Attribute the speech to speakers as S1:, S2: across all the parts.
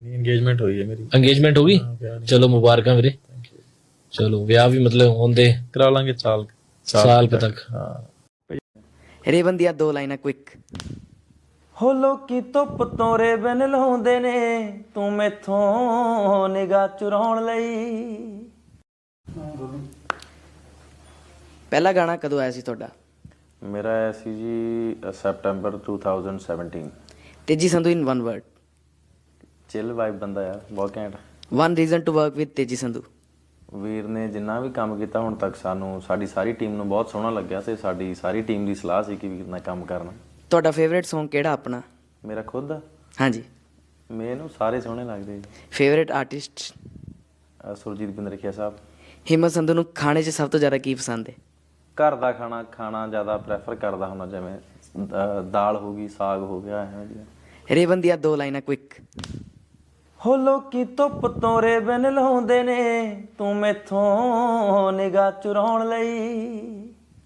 S1: Engagement ਹੋਈ ਹੈ ਮੇਰੀ।
S2: ਇੰਗੇਜਮੈਂਟ ਹੋ ਗਈ? ਚਲੋ ਮੁਬਾਰਕਾਂ ਵੀਰੇ। ਚਲੋ ਵਿਆਹ ਵੀ ਮਤਲਬ ਹੁੰਦੇ
S1: ਕਰਾ ਲਾਂਗੇ
S2: ਸਾਲ ਕੁ ਤੱਕ।
S1: ਹਾਂ।
S3: ਰੇਵਨ ਦੀਆਂ 2 ਲਾਈਨਾਂ ਕੁਇਕ।
S4: ਹੋ ਲੋਕੀ ਧੁੱਪ ਤੋਂ ਰੇਬਨ ਲਾਉਂਦੇ ਨੇ, ਤੂੰ ਮੈਥੋਂ ਨਿਗਾਹ ਚੁਰਾਉਣ ਲਈ।
S3: ਪਹਿਲਾ ਗਾਣਾ ਕਦੋਂ ਆਇਆ ਸੀ ਤੁਹਾਡਾ?
S5: ਮੇਰਾ ਆਇਆ ਸੀ ਜੀ September 2017।
S3: Teji Sandhu in one word.
S5: Chill vibe ਬੰਦਾ ਆ, ਬਹੁਤ ਘੈਂਟ।
S3: One reason to work with Teji Sandhu.
S5: ਵੀਰ ਨੇ ਜਿੰਨਾ ਵੀ ਕੰਮ ਕੀਤਾ ਹੁਣ ਤੱਕ ਸਾਡੀ ਸਾਰੀ ਟੀਮ ਨੂੰ ਬਹੁਤ ਸੋਹਣਾ ਲੱਗਿਆ ਤੇ ਸਾਡੀ ਸਾਰੀ ਟੀਮ ਦੀ ਸਲਾਹ ਸੀ ਕਿ ਵੀਰ ਨਾਲ ਕੰਮ ਕਰਨਾ।
S3: ਤੁਹਾਡਾ ਫੇਵਰੇਟ Song ਕਿਹੜਾ ਆਪਣਾ?
S5: ਮੇਰਾ ਖੁਦ ਦਾ
S3: ਹਾਂਜੀ।
S5: ਮੈਨੂੰ ਸਾਰੇ ਸੋਹਣੇ ਲੱਗਦੇ ਜੀ।
S3: Favourite artist?
S5: ਸੁਰਜੀਤ ਬਿੰਦਰਖੀਆ ਸਾਹਿਬ।
S3: ਹਿੰਮਤ ਸੰਧੂ ਨੂੰ ਖਾਣੇ 'ਚ ਸਭ ਤੋਂ ਜ਼ਿਆਦਾ ਕੀ ਪਸੰਦ ਹੈ?
S5: ਘਰ ਦਾ ਖਾਣਾ ਜ਼ਿਆਦਾ ਪ੍ਰੈਫਰ ਕਰਦਾ ਹੁੰਦਾ, ਜਿਵੇਂ ਦਾਲ ਹੋ ਗਈ, ਸਾਗ ਹੋ ਗਿਆ, ਇਹੋ ਜਿਹਾ।
S3: ਰੇਵਨ ਦੀਆਂ 2 ਲਾਈਨਾਂ ਕੁਇਕ।
S4: ਹੋ ਲੋਕੀ ਧੁੱਪ ਤੋਂ ਰੇਬਨ ਲਾਉਂਦੇ ਨੇ, ਤੂੰ ਮੈਥੋਂ ਨਿਗਾਹ ਚੁਰਾਉਣ ਲਈ।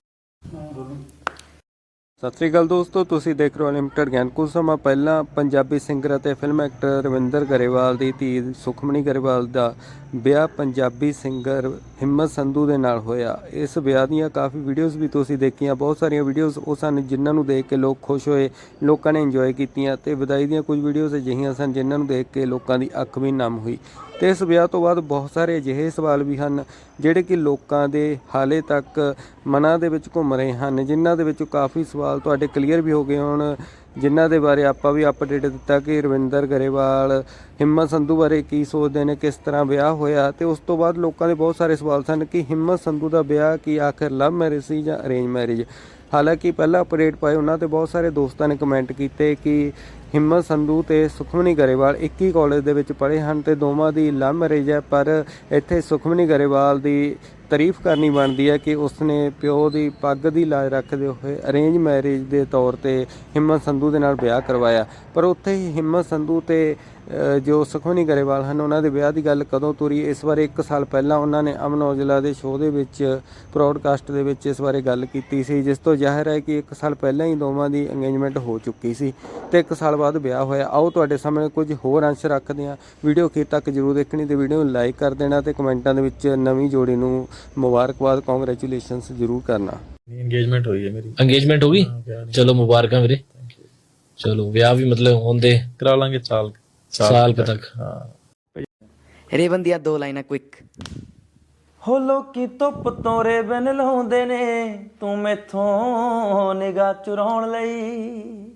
S6: ਸਤਿ ਸ੍ਰੀ ਅਕਾਲ ਦੋਸਤੋ, ਤੁਸੀਂ ਦੇਖ ਰਹੇ ਹੋ ਅਨਲਿਮਟਿਡ ਗਿਆਨ। ਕੁਝ ਸਮਾਂ ਪਹਿਲਾਂ ਪੰਜਾਬੀ ਸਿੰਗਰ ਅਤੇ ਫਿਲਮ ਐਕਟਰ ਰਵਿੰਦਰ ਗਰੇਵਾਲ ਦੀ ਧੀ ਸੁਖਮਣੀ ਗਰੇਵਾਲ ਦਾ ਵਿਆਹ ਪੰਜਾਬੀ ਸਿੰਗਰ ਹਿੰਮਤ ਸੰਧੂ ਦੇ ਨਾਲ ਹੋਇਆ। ਇਸ ਵਿਆਹ ਦੀਆਂ ਕਾਫੀ ਵੀਡੀਓਜ਼ ਵੀ ਤੁਸੀਂ ਦੇਖੀਆਂ। ਬਹੁਤ ਸਾਰੀਆਂ ਵੀਡੀਓਜ਼ ਉਹ ਸਨ ਜਿਨ੍ਹਾਂ ਨੂੰ ਦੇਖ ਕੇ ਲੋਕ ਖੁਸ਼ ਹੋਏ, ਲੋਕਾਂ ਨੇ ਇੰਜੋਏ ਕੀਤੀਆਂ, ਤੇ ਵਿਦਾਈ ਦੀਆਂ ਕੁਝ ਵੀਡੀਓਜ਼ ਅਜਿਹੀਆਂ ਸਨ ਜਿਨ੍ਹਾਂ ਨੂੰ ਦੇਖ ਕੇ ਲੋਕਾਂ ਦੀ ਅੱਖ ਵੀ ਨਮ ਹੋਈ। ਤੇ ਇਸ ਵਿਆਹ ਤੋਂ ਬਾਅਦ ਬਹੁਤ ਸਾਰੇ ਅਜਿਹੇ ਸਵਾਲ ਵੀ ਹਨ ਜਿਹੜੇ ਕਿ ਲੋਕਾਂ ਦੇ ਹਾਲੇ ਤੱਕ ਮਨਾਂ ਦੇ ਵਿੱਚ ਘੁੰਮ ਰਹੇ ਹਨ, ਜਿਨ੍ਹਾਂ ਦੇ ਵਿੱਚੋਂ ਕਾਫੀ ਸਵਾਲ ਤੁਹਾਡੇ ਕਲੀਅਰ ਵੀ ਹੋ ਗਏ ਹੋਣ, ਜਿਨ੍ਹਾਂ ਦੇ ਬਾਰੇ ਆਪਾਂ ਵੀ ਅਪਡੇਟ ਦਿੱਤਾ ਕਿ ਰਵਿੰਦਰ ਗਰੇਵਾਲ ਹਿੰਮਤ ਸੰਧੂ ਬਾਰੇ ਕੀ ਸੋਚਦੇ ਨੇ, ਕਿਸ ਤਰ੍ਹਾਂ ਵਿਆਹ ਹੋਇਆ। ਤੇ ਉਸ ਤੋਂ ਬਾਅਦ ਲੋਕਾਂ ਦੇ ਬਹੁਤ ਸਾਰੇ ਸਵਾਲ ਸਨ ਕਿ ਹਿੰਮਤ ਸੰਧੂ ਦਾ ਵਿਆਹ ਕੀ ਆਖਿਰ ਲਵ ਮੈਰਿਜ ਸੀ ਜਾਂ ਅਰੇਂਜ ਮੈਰਿਜ। ਹਾਲਾਂਕਿ ਪਹਿਲਾਂ ਅਪਡੇਟ ਪਾਏ ਉਹਨਾਂ ਤੇ ਬਹੁਤ ਸਾਰੇ ਦੋਸਤਾਂ ਨੇ ਕਮੈਂਟ ਕੀਤੇ ਕਿ ਹਿੰਮਤ ਸੰਧੂ ਤੇ ਸੁਖਮਣੀ ਗਰੇਵਾਲ ਇੱਕ ਹੀ ਕਾਲਜ ਦੇ ਵਿੱਚ ਪੜ੍ਹੇ ਹਨ ਤੇ ਦੋਵਾਂ ਦੀ ਲਵ ਮੈਰਿਜ ਹੈ। ਪਰ ਇੱਥੇ ਸੁਖਮਣੀ ਗਰੇਵਾਲ ਦੀ ਤਾਰੀਫ ਕਰਨੀ ਬਣਦੀ ਹੈ ਕਿ ਉਸਨੇ ਪਿਓ ਦੀ ਪੱਗ ਦੀ ਲਾਜ ਰੱਖਦੇ ਹੋਏ ਅਰੇਂਜ ਮੈਰਿਜ ਦੇ ਤੌਰ ਤੇ ਹਿੰਮਤ ਸੰਧੂ ਦੇ ਨਾਲ ਵਿਆਹ ਕਰਵਾਇਆ। ਪਰ ਉੱਥੇ ਹੀ ਹਿੰਮਤ ਸੰਧੂ ਤੇ ਜੋ ਸੁਖਮਣੀ ਗਰੇਵਾਲ ਹਨ ਉਹਨਾਂ ਦੇ ਵਿਆਹ ਦੀ ਗੱਲ ਕਦੋਂ ਤੁਰੀ, ਇਸ ਬਾਰੇ 1 ਸਾਲ ਪਹਿਲਾਂ ਉਹਨਾਂ ਨੇ ਅਮਨ ਔਜਲਾ ਦੇ ਸ਼ੋਅ ਦੇ ਵਿੱਚ ਪ੍ਰੋਡਕਾਸਟ ਦੇ ਵਿੱਚ ਇਸ ਬਾਰੇ ਗੱਲ ਕੀਤੀ ਸੀ, ਜਿਸ ਤੋਂ ਜ਼ਾਹਿਰ ਹੈ ਕਿ 1 ਸਾਲ ਪਹਿਲਾਂ ਹੀ ਦੋਵਾਂ ਦੀ ਇੰਗੇਜਮੈਂਟ ਹੋ ਚੁੱਕੀ ਸੀ ਤੇ 1 ਸਾਲ ਬਾਅਦ ਵਿਆਹ ਹੋਇਆ। ਆਓ ਤੁਹਾਡੇ ਸਾਹਮਣੇ ਕੁਝ ਹੋਰ ਅੰਸ਼ ਰੱਖਦੇ ਹਾਂ। ਵੀਡੀਓ ਅਖੀਰ ਤੱਕ ਜ਼ਰੂਰ ਦੇਖਣੀ ਤੇ ਵੀਡੀਓ ਨੂੰ ਲਾਈਕ ਕਰ ਦੇਣਾ ਤੇ ਕਮੈਂਟਾਂ ਦੇ ਵਿੱਚ ਨਵੀਂ ਜੋੜੀ ਨੂੰ ਮੁਬਾਰਕਬਾਦ, ਕੰਗ੍ਰੈਚੁਲੇਸ਼ਨਸ ਜ਼ਰੂਰ ਕਰਨਾ।
S1: ਇੰਗੇਜਮੈਂਟ ਹੋਈ ਹੈ ਮੇਰੀ।
S2: ਇੰਗੇਜਮੈਂਟ ਹੋ ਗਈ? ਚਲੋ ਮੁਬਾਰਕਾਂ ਵੀਰੇ। ਚਲੋ ਵਿਆਹ ਵੀ ਮਤਲਬ ਹੁੰਦੇ
S1: ਕਰਾ ਲਾਂਗੇ
S2: ਸਾਲ ਕੁ ਤੱਕ।
S1: ਹਾਂ।
S3: ਰੇਵਨ ਦੀਆਂ 2 ਲਾਈਨਾਂ ਕੁਇਕ।
S4: ਹੋ ਲੋਕੀ ਧੁੱਪ ਤੋਂ ਰੇਬਨ ਲਾਉਂਦੇ ਨੇ, ਤੂੰ ਮੈਥੋਂ ਨਿਗਾਹ ਚੁਰਾਉਣ ਲਈ।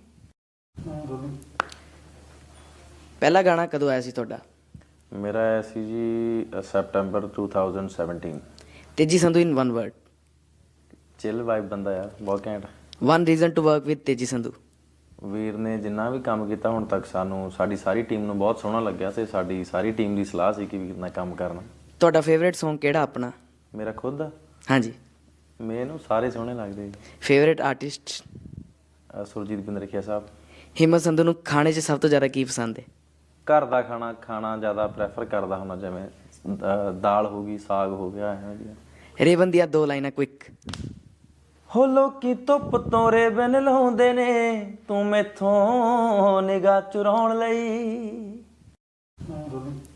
S3: ਪਹਿਲਾ ਗਾਣਾ ਕਦੋਂ ਆਇਆ ਸੀ ਤੁਹਾਡਾ?
S5: ਮੇਰਾ ਆਇਆ ਸੀ ਜੀ September 2017।
S3: Teji Sandhu in one word.
S5: Chill vibe ਬੰਦਾ ਆ, ਬਹੁਤ ਘੈਂਟ।
S3: One reason to work with Teji Sandhu.
S5: ਵੀਰ ਨੇ ਜਿੰਨਾ ਵੀ ਕੰਮ ਕੀਤਾ ਹੁਣ ਤੱਕ ਸਾਡੀ ਸਾਰੀ ਟੀਮ ਨੂੰ ਬਹੁਤ ਸੋਹਣਾ ਲੱਗਿਆ ਤੇ ਸਾਡੀ ਸਾਰੀ ਟੀਮ ਦੀ ਸਲਾਹ ਸੀ ਕਿ ਵੀਰ ਨਾਲ ਕੰਮ ਕਰਨਾ।
S3: ਤੁਹਾਡਾ ਫੇਵਰੇਟ Song ਕਿਹੜਾ ਆਪਣਾ?
S5: ਮੇਰਾ ਖੁਦ ਦਾ
S3: ਹਾਂਜੀ।
S5: ਮੈਨੂੰ ਸਾਰੇ ਸੋਹਣੇ ਲੱਗਦੇ ਜੀ।
S3: Favourite artist?
S5: ਸੁਰਜੀਤ ਬਿੰਦਰਖੀਆ ਸਾਹਿਬ।
S3: ਹਿੰਮਤ ਸੰਧੂ ਨੂੰ ਖਾਣੇ 'ਚ ਸਭ ਤੋਂ ਜ਼ਿਆਦਾ ਕੀ ਪਸੰਦ ਹੈ?
S5: ਘਰ ਦਾ ਖਾਣਾ ਜ਼ਿਆਦਾ ਪ੍ਰੈਫਰ ਕਰਦਾ ਹੁੰਦਾ, ਜਿਵੇਂ ਦਾਲ ਹੋ ਗਈ, ਸਾਗ ਹੋ ਗਿਆ, ਇਹੋ ਜਿਹਾ।
S3: ਰੇਵਨ ਦੀਆਂ 2 ਲਾਈਨਾਂ ਕੁਇਕ।
S4: ਹੋ ਲੋਕੀ ਧੁੱਪ ਤੋਂ ਰੇਬਨ ਲਾਉਂਦੇ ਨੇ, ਤੂੰ ਮੈਥੋਂ ਨਿਗਾਹ ਚੁਰਾਉਣ ਲਈ।